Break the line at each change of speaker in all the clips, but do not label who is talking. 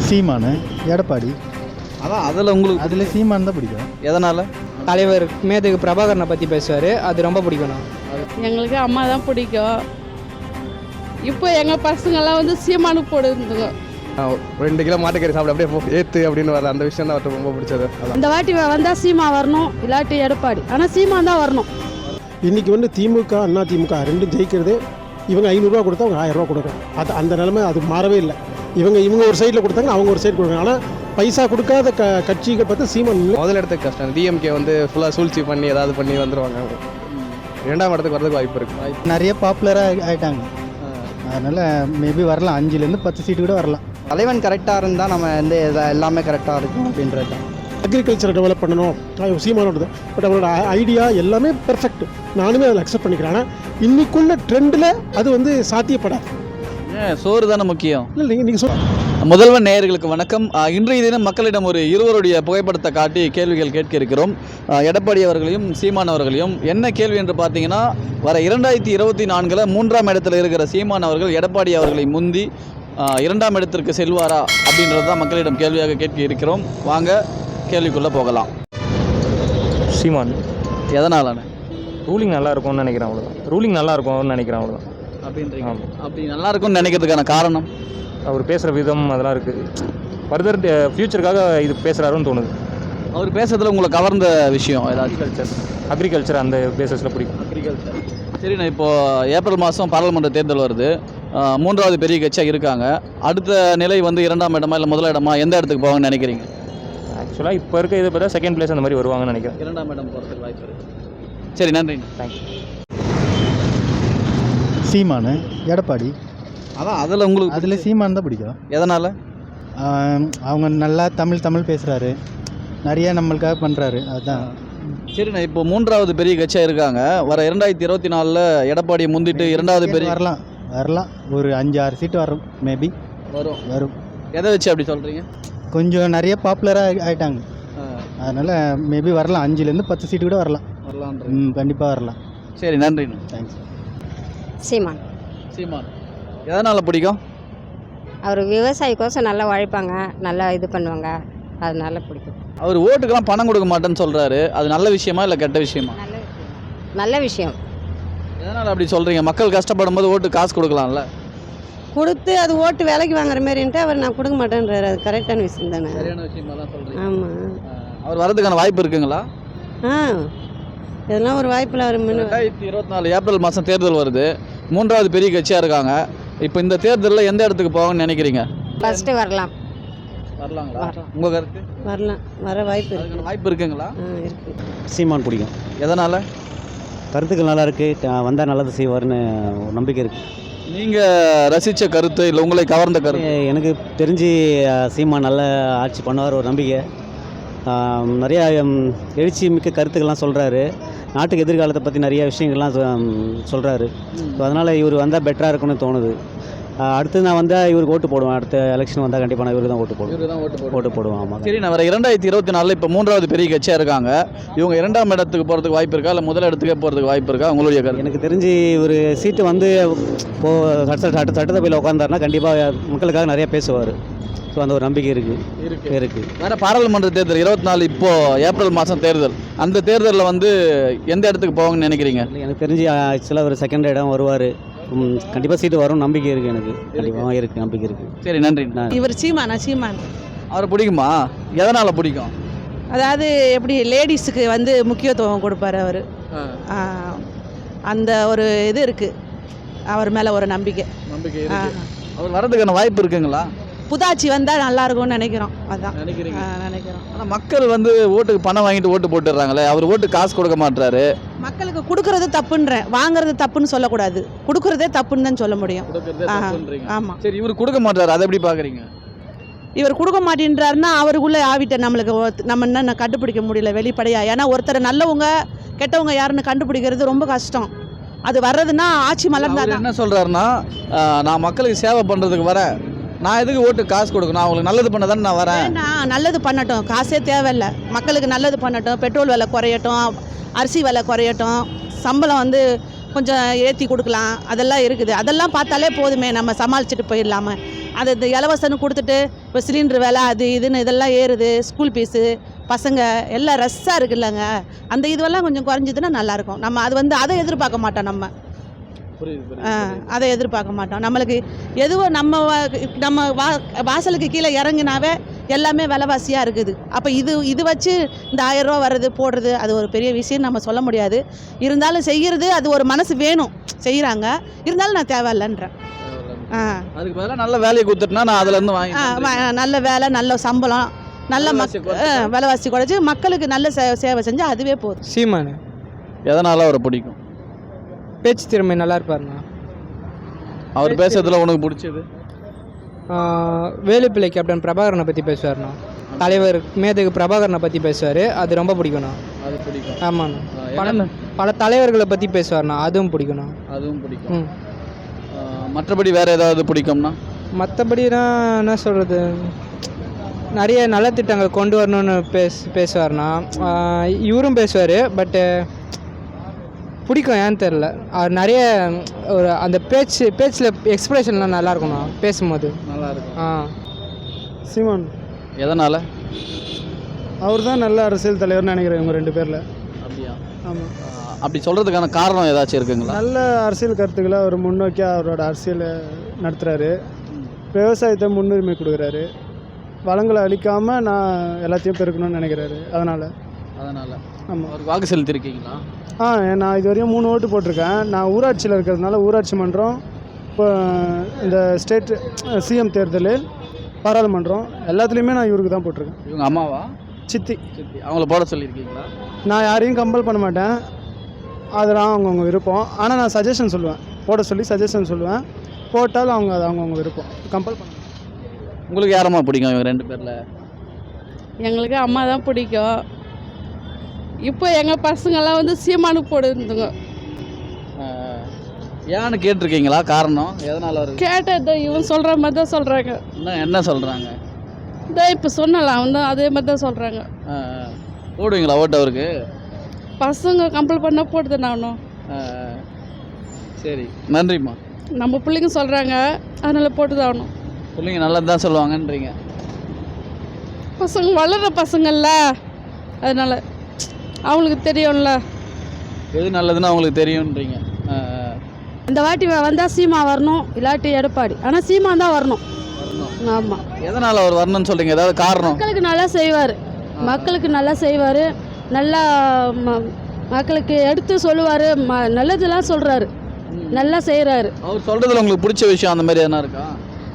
சீமானு, எடப்பாடி.
அதான் அதில் உங்களுக்கு
அதில் சீமான் தான் பிடிக்கும்.
எதனால்?
தலைவர் மேதகு பிரபாகரனை பற்றி பேசுவார், அது ரொம்ப பிடிக்கும்.
எங்களுக்கு அம்மா தான் பிடிக்கும். இப்போ எங்கள் பசங்கள்லாம் வந்து சீமானுக்கு போடுதுங்க.
2 கிலோ மாட்டுக்கறி சாப்பிட அப்படியே ஏற்று அப்படின்னு வர அந்த விஷயம் தான் அவருக்கு ரொம்ப பிடிச்சது.
இந்த வாட்டி வந்தால் சீமா வரணும், இல்லாட்டி எடப்பாடி. ஆனால் சீமான் தான் வரணும்.
இன்றைக்கி வந்து திமுக அண்ணா திமுக ரெண்டும் ஜெயிக்கிறது. இவங்க 500 கொடுத்தா அவங்க 1000 கொடுக்குறாங்க. அது அந்த நிலைமை அது மாறவே இல்லை. இவங்க ஒரு சைடில் கொடுத்தாங்க, அவங்க ஒரு சைடு கொடுக்குறாங்க. ஆனால் பைசா கொடுக்காத கட்சிகள் பார்த்து சீமான்
முதல் இடத்துக்கு கஷ்டம். டிஎம்கே வந்து ஃபுல்லாக சூழ்ச்சி பண்ணி ஏதாவது பண்ணி வந்துடுவாங்க. 2ஆம் இடத்துக்கு வரதுக்கு வாய்ப்பு இருக்குது.
நிறைய பாப்புலராக ஆகிட்டாங்க. அதனால் மேபி வரலாம், 5லேருந்து 10 சீட்டு கூட வரலாம்.
தலைவன் கரெக்டாக இருந்தால் நம்ம எல்லாமே கரெக்டாக இருக்கும் அப்படின்றது தான்.
அக்ரிகல்ச்சரை டெவலப் பண்ணணும் சீமானோடது. பட் அவரோட ஐடியா எல்லாமே பெர்ஃபெக்ட். நானுமே அதில் அக்செப்ட் பண்ணிக்கிறேன். ஆனால் இன்னைக்குள்ள ட்ரெண்டில் அது வந்து சாத்தியப்படாது.
சோறு தானே முக்கியம்.
இல்லை நீங்கள்
முதல்வர் நேயர்களுக்கு வணக்கம். இன்றைய தினம் மக்களிடம் ஒரு இருவருடைய புகைப்படத்தை காட்டி கேள்விகள் கேட்க இருக்கிறோம். எடப்பாடி அவர்களையும் சீமான் அவர்களையும். என்ன கேள்வி என்று பார்த்தீங்கன்னா, வர 2024 3ஆம் இடத்துல இருக்கிற சீமான் அவர்கள் எடப்பாடி அவர்களை முந்தி 2ஆம் இடத்திற்கு செல்வாரா அப்படின்றது தான் மக்களிடம் கேள்வியாக கேட்க இருக்கிறோம். வாங்க கேள்விக்குள்ளே போகலாம்.
சீமான்.
எதனாலான?
ரூலிங் நல்லா இருக்கும்னு நினைக்கிறேன், அவ்வளோதான். ரூலிங் நல்லா இருக்கும்னு நினைக்கிறேன், அவ்வளோதான்.
அப்படின்றீங்க? அப்படி நல்லா இருக்கும்னு நினைக்கிறதுக்கான காரணம்
அவர் பேசுகிற விதம் அதெல்லாம் இருக்குது. ஃபர்தர் ஃப்யூச்சருக்காக இது பேசுகிறாருன்னு தோணுது.
அவர் பேசுறதுல உங்களை கவர்ந்த விஷயம் ஏதாவது?
அக்ரிகல்ச்சர் அந்த பேசஸில் பிடிக்கும்.
அக்ரிகல்ச்சர். சரிண்ணா, இப்போது ஏப்ரல் மாதம் பாராளுமன்ற தேர்தல் வருது. 3வது பெரிய கட்சியாக இருக்காங்க. அடுத்த நிலை வந்து 2ஆம் இடமா இல்லை முதல் இடமா, எந்த இடத்துக்கு போவாங்கன்னு நினைக்கிறீங்க?
ஆக்சுவலாக இப்போ இருக்க இதை பார்த்தா செகண்ட் பிளேஸ் அந்த மாதிரி வருவாங்கன்னு நினைக்கிறேன்.
2ஆம் இடம் போகிறதுக்கு வாய்ப்பு இருக்குது. சரி, நன்றி.
தேங்க்யூ.
சீமானு, எடப்பாடி.
அதான் அதில் உங்களுக்கு
அதில் சீமான் தான் பிடிக்கும்.
எதனால்?
அவங்க நல்லா தமிழ் பேசுகிறாரு, நிறைய நம்மளுக்காக பண்ணுறாரு, அதுதான்.
சரிண்ணா, இப்போ 3வது பெரிய கட்சியாக இருக்காங்க. வர 2024 எடப்பாடியை முந்திட்டு 2வது பெரிய
வரலாம் ஒரு 5-6 சீட்டு வரும். மேபி வரும்.
எதை வச்சு அப்படி சொல்கிறீங்க?
கொஞ்சம் நிறைய பாப்புலராக ஆகிட்டாங்க. அதனால் மேபி வரலாம், 5லேருந்து 10 சீட்டு கூட வரலாம். கண்டிப்பாக வரலாம்.
சரி, நன்றி.
தேங்க்ஸ்.
சீமான்.
சீமான் எதனால் பிடிக்கும்?
அவர் விவசாயிக்கோசம் நல்லா உழைப்பாங்க, நல்லா இது பண்ணுவாங்க, அதனால பிடிக்கும்.
அவர் ஓட்டுக்கெல்லாம் பணம் கொடுக்க மாட்டேன்னு சொல்கிறாரு. அது நல்ல விஷயமா இல்லை கெட்ட விஷயமா?
நல்ல விஷயம்.
எதனால் அப்படி சொல்கிறீங்க? மக்கள் கஷ்டப்படும் போது ஓட்டு காசு கொடுக்கலாம்ல.
கொடுத்து அது ஓட்டு விலைக்கு வாங்குற மாதிரின்ட்டு அவர் நான் கொடுக்க மாட்டேன்றாரு. அது கரெக்டான விஷயம் தானே?
சரியான விஷயமா தான் சொல்கிறீங்க.
ஆமாம்.
அவர் வரதுக்கான வாய்ப்பு இருக்குங்களா?
இதெல்லாம் ஒரு வாய்ப்பில் அவர்
2024 ஏப்ரல் மாதம் தேர்தல் வருது. 3வது பெரிய கட்சியாக இருக்காங்க. இப்போ இந்த தேர்தலில் எந்த இடத்துக்கு போவாங்கன்னு நினைக்கிறீங்க?
ஃபஸ்ட்டு வரலாங்களா?
உங்கள் கருத்து?
வரலாம், வர வாய்ப்பு இருக்கு.
வாய்ப்பு இருக்குங்களா?
இருக்கு.
சீமான் பிடிக்கும்.
எதனால்?
கருத்துக்கள் நல்லா இருக்குது, வந்தால் நல்லது செய்வார்னு ஒரு நம்பிக்கை இருக்குது.
நீங்கள் ரசித்த கருத்து இல்லை உங்களை கவர்ந்த கருத்து?
எனக்கு தெரிஞ்சு சீமான் நல்ல ஆட்சி பண்ணுவார் ஒரு நம்பிக்கை. நிறையா எழுச்சி மிக்க கருத்துக்கள்லாம் சொல்கிறாரு. நாட்டுக்கு எதிர்காலத்தை பற்றி நிறைய விஷயங்கள்லாம் சொல்கிறாரு. ஸோ அதனால் இவர் வந்தால் பெட்டராக இருக்கும்னு தோணுது. அடுத்து நான் வந்தால் இவருக்கு ஓட்டு போடுவேன். அடுத்த எலெக்ஷன் வந்தால் கண்டிப்பாக நான் இவருக்கு தான் ஓட்டு போடுவேன். ஆமாம்.
சரி, நான் வர 2024 இப்போ 3வது பெரிய கட்சியாக இருக்காங்க. இவங்க 2ஆம் இடத்துக்கு போகிறதுக்கு வாய்ப்பு இருக்கா இல்லை முதல் இடத்துக்கே போகிறதுக்கு வாய்ப்பு இருக்கா? உங்களுடைய கருத்து?
எனக்கு தெரிஞ்சு ஒரு சீட்டு வந்து சட்டசபையில் உட்காந்தாருன்னா கண்டிப்பாக மக்களுக்காக நிறையா பேசுவார். ஸோ அந்த ஒரு நம்பிக்கை இருக்குது.
வேறு பாராளுமன்ற தேர்தல் 24 இப்போது ஏப்ரல் மாதம் தேர்தல். அந்த தேர்தலில் வந்து எந்த இடத்துக்கு போவாங்கன்னு நினைக்கிறீங்க?
எனக்கு தெரிஞ்சு ஆக்சுவலாக ஒரு செகண்ட் இடம் வருவார். கண்டிப்பாக சீட்டு வரும் நம்பிக்கை இருக்குது. எனக்கு கண்டிப்பாக இருக்குது, நம்பிக்கை இருக்குது.
சரி, நன்றி.
இவர் சீமான்.
அவரை பிடிக்குமா? எதனால் பிடிக்கும்?
அதாவது எப்படி லேடிஸுக்கு வந்து முக்கியத்துவம் கொடுப்பாரு அவர். அந்த ஒரு இது இருக்குது அவர் மேலே ஒரு நம்பிக்கை.
அவர் வரதுக்கான வாய்ப்பு இருக்குங்களா?
புதாச்சி வந்தால் நல்லா இருக்கும்னு நினைக்கிறோம். அதான்
நினைக்கிறோம்.
ஆனால்
மக்கள் வந்து ஓட்டுக்கு பணம் வாங்கிட்டு ஓட்டு போட்டுடுறாங்களே, அவர் ஓட்டு காசு கொடுக்க மாட்டாரு.
மக்களுக்கு கொடுக்கறது தப்புன்றேன், வாங்குறது தப்புன்னு சொல்லக்கூடாது. கொடுக்கறதே தப்புன்னு தான் சொல்ல முடியும். ஆமாம்.
சரி, இவர் கொடுக்க மாட்டாரு, அதை எப்படி பார்க்குறீங்க?
இவர் கொடுக்க மாட்டேன்றாருன்னா அவருக்குள்ளே ஆவிட்ட நம்மளுக்கு நம்ம என்ன கண்டுபிடிக்க முடியல வெளிப்படையா. ஏன்னா ஒருத்தர் நல்லவங்க கெட்டவங்க யாருன்னு கண்டுபிடிக்கிறது ரொம்ப கஷ்டம். அது வர்றதுன்னா ஆட்சி மலர்ந்தா.
என்ன சொல்கிறாருன்னா, நான் மக்களுக்கு சேவை பண்ணுறதுக்கு வரேன், நான் எதுக்கு ஓட்டு காசு கொடுக்கணும், அவங்களுக்கு நல்லது பண்ண தானே நான் வரேன்.
நல்லது பண்ணட்டும், காசே தேவையில்லை. மக்களுக்கு நல்லது பண்ணட்டும், பெட்ரோல் விலை குறையட்டும், அரிசி விலை குறையட்டும், சம்பளம் வந்து கொஞ்சம் ஏற்றி கொடுக்கலாம், அதெல்லாம் இருக்குது. அதெல்லாம் பார்த்தாலே போதுமே, நம்ம சமாளிச்சுட்டு போயிடலாமா. அது இந்த இலவசன்னு கொடுத்துட்டு இப்போ சிலிண்டர் விலை அது இதுன்னு இதெல்லாம் ஏறுது, ஸ்கூல் ஃபீஸு பசங்க எல்லாம் ரஷ்ஷாக இருக்குல்லங்க, அந்த இதுவெல்லாம் கொஞ்சம் குறைஞ்சிதுன்னா நல்லாயிருக்கும். நம்ம அது வந்து அதை எதிர்பார்க்க மாட்டோம், நம்ம அதை எதிர்பார்க்க மாட்டோம். நம்மளுக்கு எதுவோ நம்ம வாசலுக்கு கீழே இறங்கினாவே எல்லாமே விலைவாசியாக இருக்குது. அப்போ இது வச்சு இந்த 1000 ரூபா வர்றது போடுறது அது ஒரு பெரிய விஷயம் நம்ம சொல்ல முடியாது. இருந்தாலும் செய்கிறது அது ஒரு மனசு வேணும், செய்கிறாங்க. இருந்தாலும் நான் தேவையில்லைன்றேன்.
அதுக்கு பதிலாக நல்ல வேலையை கொடுத்துட்டுனா நான் அதுலேருந்து வாங்கி
நல்ல வேலை, நல்ல சம்பளம், நல்ல விலைவாசி குறைச்சி மக்களுக்கு நல்ல சேவை செஞ்சால் அதுவே போதும்.
சீமான்
எதனால் அவரை பிடிக்கும்?
பேச்சு திறமை நல்லா இருப்பாருண்ணா.
அவர் பேசுறதுல உனக்கு பிடிச்சது?
வேலுப்பிள்ளை கேப்டன் பிரபாகரனை பற்றி பேசுவார்ண்ணா. தலைவர் மேதகு பிரபாகரனை பற்றி பேசுவார், அது ரொம்ப பிடிக்கும்ண்ணா.
அது பிடிக்கும்.
ஆமாண்ணா. பல தலைவர்களை பற்றி பேசுவார்ண்ணா, அதுவும் பிடிக்கும்ண்ணா.
அதுவும் பிடிக்கும். மற்றபடி வேறு ஏதாவது பிடிக்கும்னா?
மற்றபடினா என்ன சொல்கிறது, நிறைய நலத்திட்டங்கள் கொண்டு வரணும்னு பேசுவார்ண்ணா. இவரும் பேசுவார், பட்டு பிடிக்கும், ஏன்னு தெரில. அவர் நிறைய ஒரு அந்த பேச்சில் எக்ஸ்பிரஷன்லாம் நல்லாயிருக்கும்ண்ணா, பேசும்போது நல்லாயிருக்கும்.
சீமான்.
எதனால்?
அவர் தான் நல்ல அரசியல் தலைவர்னு நினைக்கிறேன் இவங்க 2 பேரில்.
அப்படியா?
ஆமாம்.
அப்படி சொல்கிறதுக்கான காரணம் ஏதாச்சும் இருக்குங்களா?
நல்ல அரசியல் கருத்துக்களை அவர் முன்னோக்கி அவரோட அரசியலை நடத்துகிறாரு. விவசாயத்தை முன்னுரிமை கொடுக்குறாரு. வளங்களை அழிக்காமல் நான் எல்லாத்தையும் பெருக்கணும்னு நினைக்கிறாரு. அதனால் ஆமாம்.
அவருக்கு வாக்கு செலுத்திருக்கீங்களா?
நான் இது வரையும் 3 ஓட்டு போட்டிருக்கேன். நான் ஊராட்சியில் இருக்கிறதுனால ஊராட்சி மன்றம், இப்போ இந்த ஸ்டேட் சிஎம் தேர்தல், பாராளுமன்றம் எல்லாத்துலேயுமே நான் இவருக்கு தான் போட்டிருக்கேன்.
இவங்க அம்மாவா?
சித்தி.
அவங்கள போட சொல்லியிருக்கீங்களா?
நான் யாரையும் கம்பல் பண்ண மாட்டேன், அதெல்லாம் அவங்கவுங்க விருப்பம். ஆனால் நான் சஜஷன் சொல்லுவேன், போட சொல்லி சஜஷன் சொல்லுவேன். போட்டாலும் அது அவங்கவுங்க விருப்பம், கம்பல் பண்ண.
உங்களுக்கு யாரம்மா பிடிக்கும் இவங்க 2 பேரில்?
எங்களுக்கு அம்மா தான் பிடிக்கும். இப்போ எங்கள் பசங்கள்லாம் வந்து சீமானுக்கு போடுதுங்க.
ஏன்னு கேட்டிருக்கீங்களா? காரணம் எதனால்? அவர்
கேட்டது இவன் சொல்கிற மாதிரி தான் சொல்கிறாங்க.
என்ன சொல்கிறாங்க?
இதான் இப்போ சொன்னலாம், அவன் தான் அதே மாதிரி தான் சொல்கிறாங்க.
போடுவீங்களா ஓட்டு அவருக்கு?
பசங்க கம்பல் பண்ண போடுது நானும்.
சரி, நன்றிம்மா.
நம்ம பிள்ளைங்க சொல்கிறாங்க, அதனால் போட்டு தான் ஆகணும்.
பிள்ளைங்க நல்லது தான் சொல்லுவாங்கன்றீங்க.
பசங்க வளர்கிற பசங்கள்ல, அதனால் அவங்களுக்கு தெரியும்ல
எது நல்லதுன்னு அவங்களுக்கு தெரியும்ன்றீங்க.
இந்த வாட்டி வந்தால் சீமா வரணும், இல்லாட்டி எடப்பாடி. ஆனால் சீமா தான் வரணும். ஆமாம்.
எதனால் அவர் வரணும்னு சொல்கிறீங்க? ஏதாவது காரணம்?
மக்களுக்கு நல்லா செய்வார், நல்லா மக்களுக்கு எடுத்து சொல்லுவார், நல்லதெல்லாம் சொல்கிறாரு, நல்லா செய்கிறாரு.
அவர் சொல்கிறதுல உங்களுக்கு பிடிச்ச விஷயம் அந்த மாதிரி எதனா இருக்கா?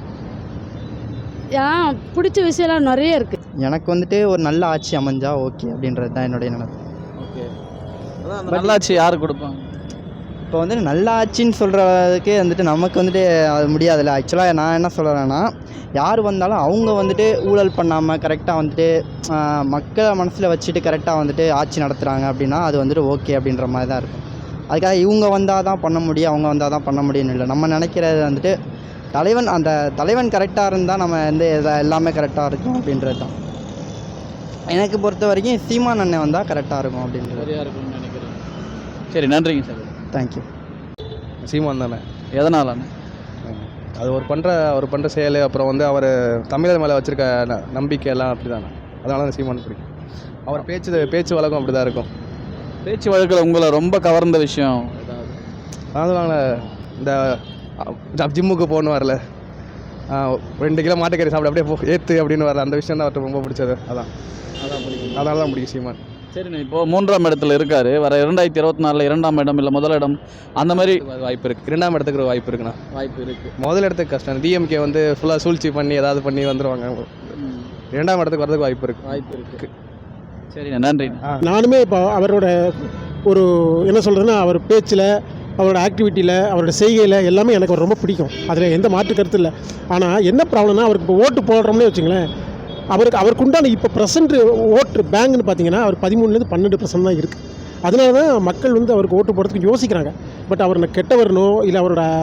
பிடிச்ச விஷயம்லாம் நிறைய இருக்குது.
எனக்கு வந்துட்டு ஒரு நல்ல ஆட்சி அமைஞ்சா ஓகே அப்படின்றது தான் என்னுடைய நினைப்பு.
ஓகே, அதான் நல்லாட்சி யார் கொடுப்பாங்க?
இப்போ வந்துட்டு நல்ல ஆட்சின்னு சொல்கிறதுக்கு வந்துட்டு நமக்கு வந்துட்டு அது முடியாதுல்ல. ஆக்சுவலாக நான் என்ன சொல்கிறேன்னா, யார் வந்தாலும் அவங்க வந்துட்டு ஊழல் பண்ணாமல் கரெக்டாக வந்துட்டு மக்களை மனசில் வச்சுட்டு கரெக்டாக வந்துட்டு ஆட்சி நடத்துகிறாங்க அப்படின்னா அது வந்துட்டு ஓகே அப்படின்ற மாதிரி தான் இருக்கும். அதுக்காக இவங்க வந்தால் தான் பண்ண முடியும், அவங்க வந்தால் தான் பண்ண முடியும்னு இல்லை. நம்ம நினைக்கிறது வந்துட்டு அந்த தலைவன் கரெக்டாக இருந்தால் நம்ம வந்து எல்லாமே கரெக்டாக இருக்கும் அப்படின்றது தான். எனக்கு பொறுத்த வரைக்கும் சீமான் அண்ணன் வந்தால் கரெக்டாக இருக்கும் அப்படின்றது.
சரியாக இருக்கும்னு நினைக்கிறேன். சரி, நன்றிங்க சார்.
தேங்க்யூ.
சீமான் தானே.
எதனால்?
அது அவர் பண்ணுற செயல், அப்புறம் வந்து அவர் தமிழர் மேலே வச்சுருக்க நம்பிக்கை எல்லாம் அப்படி தானே. அதனால தான் சீமான் பிடிக்கும். அவர் பேச்சு வழக்கம் அப்படி தான் இருக்கும்.
பேச்சு வழக்கில் உங்களை ரொம்ப கவர்ந்த விஷயம் ஏதாவது?
அதனால இந்த ஜிம்முக்கு போகணும் வரல, 2 கிலோ மாட்டுக்கறி சாப்பிட அப்படியே ஏற்று அப்படின்னு வரல, அந்த விஷயம் தான் அவர்கிட்ட ரொம்ப பிடிச்சது. அதனால தான் பிடிக்கும் சீமான்.
சரிண்ணா, இப்போது 3ஆம் இடத்துல இருக்கார். வர 2024 2ஆம் இடம் இல்லை முதலிடம் அந்த மாதிரி
வாய்ப்பு இருக்குது. 2ஆம் இடத்துக்கு வாய்ப்பு இருக்குண்ணா.
வாய்ப்பு இருக்குது.
முதல் இடத்துக்கு கஷ்டம். டிஎம்கே வந்து ஃபுல்லாக சூழ்ச்சி பண்ணி ஏதாவது பண்ணி வந்துடுவாங்க. 2ஆம் இடத்துக்கு வரதுக்கு வாய்ப்பு இருக்குது.
சரிண்ணா, நன்றி.
நானுமே இப்போ அவரோட ஒரு என்ன சொல்கிறதுன்னா, அவர் பேச்சில், அவரோட ஆக்டிவிட்டியில், அவரோட செய்கையில் எல்லாமே எனக்கு ரொம்ப பிடிக்கும். அதில் எந்த மாற்று கருத்து இல்லை. ஆனால் என்ன ப்ராப்ளம்னா, அவருக்கு இப்போ ஓட்டு போடுறோம்னே வச்சுங்களேன், அவருக்கு உண்டான இப்போ ப்ரெசென்ட் ஓட்டு பேங்க்னு பார்த்தீங்கன்னா அவர் 13% 12% தான் இருக்குது. அதனால தான் மக்கள் வந்து அவருக்கு ஓட்டு போடுறதுக்கு யோசிக்கிறாங்க. பட் அவர் கெட்டவரனோ இல்லை அவரோட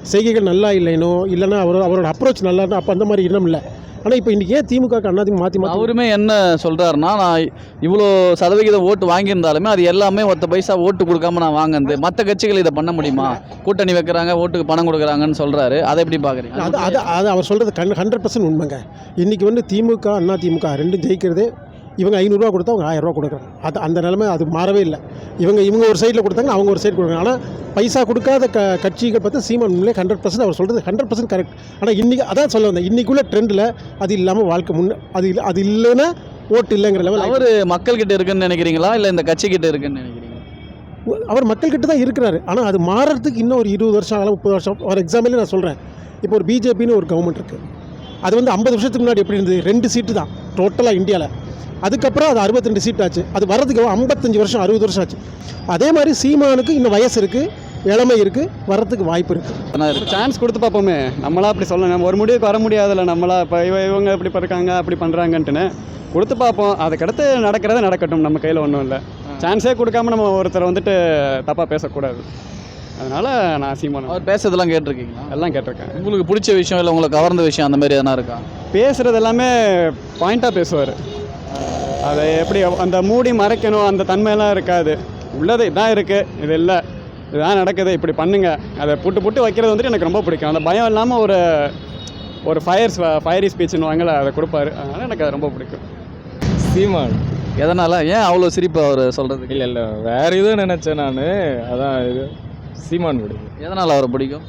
செய்கைகள் நல்லா இல்லைனோ இல்லைன்னா அவரோட அப்ரோச் நல்லா இருந்தால் அப்போ அந்த மாதிரி இனம் இல்லை. ஆனால் இப்போ இன்றைக்கி ஏன் திமுக அண்ணாதிமுக மாற்றி
அவருமே என்ன சொல்கிறாருன்னா, நான் இவ்வளோ சதவிகிதம் ஓட்டு வாங்கியிருந்தாலுமே அது எல்லாமே ஒத்த பைசா ஓட்டு கொடுக்காம நான் வாங்கினது, மற்ற கட்சிகள் இதை பண்ண முடியுமா, கூட்டணி வைக்கிறாங்க ஓட்டுக்கு பணம் கொடுக்குறாங்கன்னு சொல்கிறாரு. அதை எப்படி பார்க்குறீங்க?
அது அவர் சொல்கிறது 100% உண்மைங்க. இன்றைக்கி வந்து திமுக அதிமுக ரெண்டும் ஜெயிக்கிறதே இவங்க 500 கொடுத்தா அவங்க 1000 கொடுக்குறாங்க. அந்த நிலைமை அது மாறவே இல்லை. இவங்க ஒரு சைடில் கொடுத்தாங்க, அவங்க ஒரு சைடு கொடுக்குறாங்க. ஆனால் பைசா கொடுக்காத கட்சிகள் பார்த்து சீமான் உண்மையிலே 100% அவர் சொல்கிறது 100% கரெக்ட். ஆனால் இன்றைக்கி அதான் சொல்ல வந்தேன், இன்றைக்குள்ள ட்ரெண்டில் அது இல்லாமல் வாழ்க்கை அது இல்லைன்னா ஓட்டு இல்லைங்கிற லெவல்.
அவர் மக்கள்கிட்ட இருக்குன்னு நினைக்கிறீங்களா இல்லை இந்த கட்சிக்கிட்ட இருக்குன்னு நினைக்கிறீங்களா?
அவர் மக்கள்கிட்ட தான் இருக்கிறாரு. ஆனால் அது மாறுறதுக்கு இன்னும் ஒரு 20 வருஷம் ஆகலாம், 30 வருஷம். ஒரு எக்ஸாம்பிள் நான் சொல்கிறேன். இப்போ ஒரு பிஜேபின்னு ஒரு கவர்மெண்ட் இருக்குது. அது வந்து 50 வருஷத்துக்கு முன்னாடி எப்படி இருந்தது? 2 சீட்டு தான் டோட்டலாக இந்தியாவில். அதுக்கப்புறம் அது 62 சீட் ஆச்சு. அது வர்றதுக்கு 55 வருஷம் 60 வருஷம் ஆச்சு. அதே மாதிரி சீமானுக்கு இன்னும் வயசு இருக்குது, இளமை இருக்குது, வர்றதுக்கு வாய்ப்பு இருக்குது.
சான்ஸ் கொடுத்து பார்ப்போமே. நம்மளா அப்படி சொல்லணும், நம்ம ஒரு முடிவுக்கு வர முடியாதுல்ல. நம்மளா இப்போ இவங்க இப்படி இருக்காங்க அப்படி பண்ணுறாங்கன்ட்டுன்னு கொடுத்து பார்ப்போம். அதுக்கடுத்து நடக்கிறத நடக்கட்டும், நம்ம கையில் ஒன்றும் இல்லை. சான்ஸே கொடுக்காம நம்ம ஒருத்தரை வந்துட்டு தப்பாக பேசக்கூடாது. அதனால் நான் சீமான்
அவர் பேசுறதெல்லாம் கேட்டிருக்கீங்களா?
எல்லாம் கேட்டிருக்கேன்.
உங்களுக்கு பிடிச்ச விஷயம் இல்லை உங்களுக்கு கவர்ந்த விஷயம் அந்த மாதிரி எதனா இருக்கா?
பேசுகிறது எல்லாமே பாயிண்ட்டாக பேசுவார். அதை எப்படி அந்த மூடி மறைக்கணும் அந்த தன்மையெல்லாம் இருக்காது. உள்ளது இதான் இருக்குது, இது இல்லை, இதுதான் நடக்குது, இப்படி பண்ணுங்க, அதை புட்டு வைக்கிறது வந்துட்டு எனக்கு ரொம்ப பிடிக்கும். அந்த பயம் இல்லாமல் ஒரு ஃபயரி ஸ்பீச்னு வாங்கல அதை கொடுப்பாரு. அதனால் எனக்கு அது ரொம்ப பிடிக்கும்.
சீமான்.
எதனால், ஏன் அவ்வளோ சிரிப்பு அவர் சொல்கிறதுக்கு?
இல்லை வேறு எதுவும் நினச்சேன் நான். அதான் இது சீமான் பிடிக்கும்.
எதனால் அவரை பிடிக்கும்?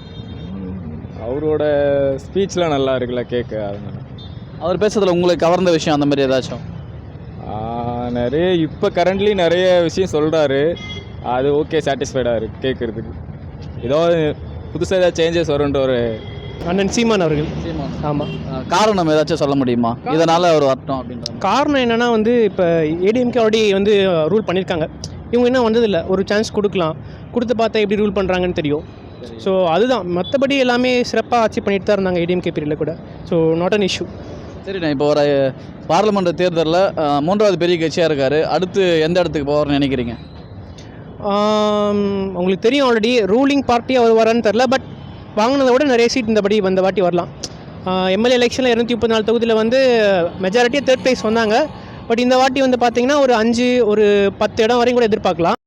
அவரோட ஸ்பீச்லாம் நல்லா இருக்குல்ல கேட்க, அதனால.
அவர் பேசுறதுல உங்களுக்கு கவர்ந்த விஷயம் அந்த மாதிரி ஏதாச்சும்?
நிறைய இப்போ கரண்ட்லி நிறைய விஷயம் சொல்கிறாரு. அது ஓகே, சாட்டிஸ்ஃபைடாக இருக்குது கேட்குறதுக்கு. ஏதோ புதுசாக ஏதாவது சேஞ்சஸ் வரும்ன்ற ஒரு
அண்ணன் சீமான் அவர்கள்.
சீமான்.
ஆமாம்.
காரணம் ஏதாச்சும் சொல்ல முடியுமா இதனால் அவர் வரட்டும் அப்படின்ற?
காரணம் என்னென்னா வந்து இப்போ ஏடிஎம்கே ஆல்ரெடி வந்து ரூல் பண்ணியிருக்காங்க. இவங்க இன்னும் வந்ததில்லை. ஒரு சான்ஸ் கொடுக்கலாம், கொடுத்து பார்த்தா எப்படி ரூல் பண்ணுறாங்கன்னு தெரியும். ஸோ அதுதான். மற்றபடி எல்லாமே சிறப்பாக ஆட்சி பண்ணிட்டு தான் இருந்தாங்க ஏடிஎம்கே பீரியடில் கூட. So not an issue.
சரிண்ணா, இப்போ ஒரு பார்லிமெண்ட் தேர்தலில் 3வது பெரிய கட்சியாக இருக்கார். அடுத்து எந்த இடத்துக்கு போவார்னு நினைக்கிறீங்க?
உங்களுக்கு தெரியும் ஆல்ரெடி ரூலிங் பார்ட்டி அவர் வரான்னு தெரில. பட் வாங்கினதை விட நிறைய சீட் இந்த வாட்டி வரலாம். எம்எல்ஏ எலெக்ஷனில் 234 தொகுதியில் வந்து மெஜாரிட்டியாக 3rd ப்ளேஸ் வந்தாங்க. பட் இந்த வாட்டி வந்து பார்த்திங்கன்னா ஒரு 5 ஒரு 10 இடம் வரையும் கூட எதிர்பார்க்கலாம்.